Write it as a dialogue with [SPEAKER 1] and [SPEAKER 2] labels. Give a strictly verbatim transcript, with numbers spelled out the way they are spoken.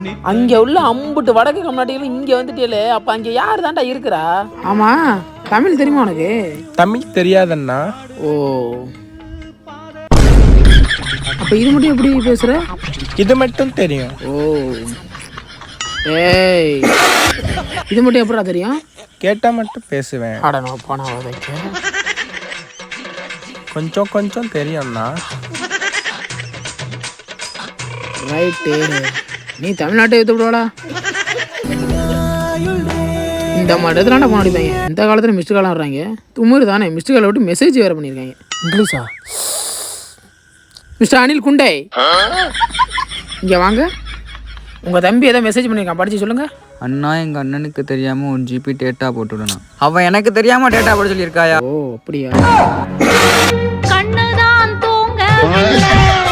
[SPEAKER 1] அங்க உள்ள அம்புட்டு வடக்கு கம்நாட்டிகள் இங்க வந்துட்டே. அப்ப அங்க யாரு தான்டா இருக்கிறா? ஆமா, தமிழ் தெரியுமா உனக்கு?
[SPEAKER 2] தமிழ் தெரியாதண்ணா.
[SPEAKER 1] ஓ, அப்ப இது மட்டும் எப்படி பேசுற?
[SPEAKER 2] இது மட்டும் தெரியும்.
[SPEAKER 1] ஓ, ஏய், இது மட்டும் எப்படா தெரியும்?
[SPEAKER 2] கேட்டா மட்டும் பேசுவேன்.
[SPEAKER 1] அட நான் போனா வதைக்க.
[SPEAKER 2] கொஞ்சம் கொஞ்சம் தெரியும்ண்ணா.
[SPEAKER 1] ரைட்டு, நீ தமிழ்நாட்டை எடுத்து விடுவாடா. இந்த மாதிரி இடத்துல போன அடிப்பாங்க. இந்த காலத்தில் மிஸ்டு காலம் வர்றாங்க. தும்முரு தானே, மிஸ்டு காலை விட்டு மெசேஜ் வேறு பண்ணியிருக்காங்க. இங்கிலீஷா? மிஸ்டர் அனில் குண்டை, இங்கே வாங்க. உங்கள் தம்பி ஏதோ மெசேஜ் பண்ணியிருக்கான், படித்து சொல்லுங்கள்.
[SPEAKER 3] அண்ணா, எங்கள் அண்ணனுக்கு தெரியாமல் ஒரு ஜிபி டேட்டா போட்டுவிடணும். அவன் எனக்கு தெரியாமல் டேட்டா போட சொல்லியிருக்காயா?
[SPEAKER 1] ஓ அப்படியா?
[SPEAKER 4] கண்ணுதான் தூங்க